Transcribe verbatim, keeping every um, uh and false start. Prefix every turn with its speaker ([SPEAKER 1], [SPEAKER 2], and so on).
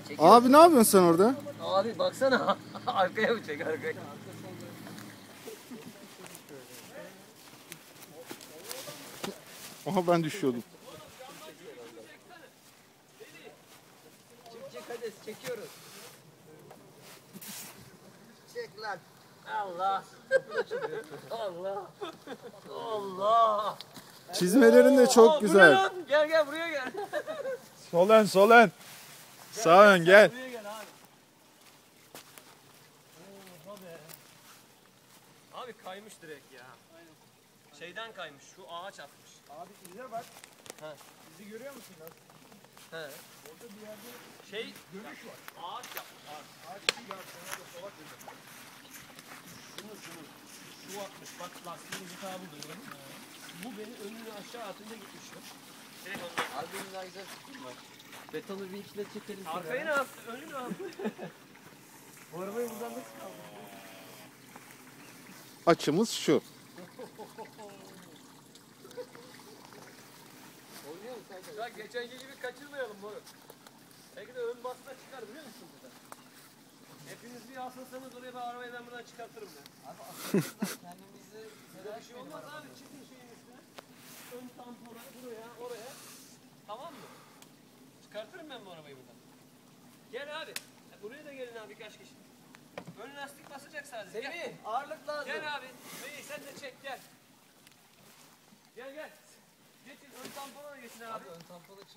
[SPEAKER 1] Abi ne yapıyorsun sen orada?
[SPEAKER 2] Abi baksana. Arkaya mı çek arkaya?
[SPEAKER 1] Aha ben düşüyordum.
[SPEAKER 2] Çık çık hadi çekiyoruz. Çek lan. Allah. Allah. Allah.
[SPEAKER 1] Çizmelerin de çok
[SPEAKER 2] Aa,
[SPEAKER 1] güzel.
[SPEAKER 2] lan? Gel gel buraya gel.
[SPEAKER 3] Sol ön, sol ön. Sağ ön gel.
[SPEAKER 2] Buraya gel abi. Oha be. Abi kaymış direkt ya. Şeyden kaymış. Şu ağaç atmış.
[SPEAKER 3] Abi ize bak.
[SPEAKER 2] Ha.
[SPEAKER 3] İzi görüyor musun lan?
[SPEAKER 2] He.
[SPEAKER 3] Orada bir yerde
[SPEAKER 2] Şey
[SPEAKER 3] dönüş var.
[SPEAKER 2] ağaç yapmış. Ağaç.
[SPEAKER 3] Ağaç ya sana da solak dedi.
[SPEAKER 2] Şunu şunu. Şu atmış. Bak lastiğin hitabı duyuyorum. Bu beni önünü aşağı atınca gitmişim. Direkt ondan.
[SPEAKER 4] Albümün daha güzel fikrim var. Betonu bir ikile çekelim.
[SPEAKER 2] Arkayı ne yaptı? Önü ne yaptı?
[SPEAKER 4] Bu arabayı buradan nasıl kaldırdın?
[SPEAKER 1] Açımız şu.
[SPEAKER 4] Oynuyor musun sen?
[SPEAKER 2] Ya geçenki gibi kaçırmayalım bunu. Belki de ön basına çıkar biliyor musun burada? Hepiniz bir asılsanız oraya ben arabayı ben buradan çıkartırım ben.
[SPEAKER 4] Abi aslında kendimizi
[SPEAKER 2] Böyle bir şey olmaz abi. Çıkın şeyin üstüne. Ön tampona buraya oraya. Tamam mı? Çıkartırım ben bu arabayı buradan. Gel abi. Buraya da gelin abi birkaç kişi. Ön lastik basacak sadece. Gel.
[SPEAKER 4] Semih ağırlık lazım.
[SPEAKER 2] Gel abi. Bey sen de çek gel. Gel gel. Geçin ön tampona da geçin abi.
[SPEAKER 4] Abi ön tamponu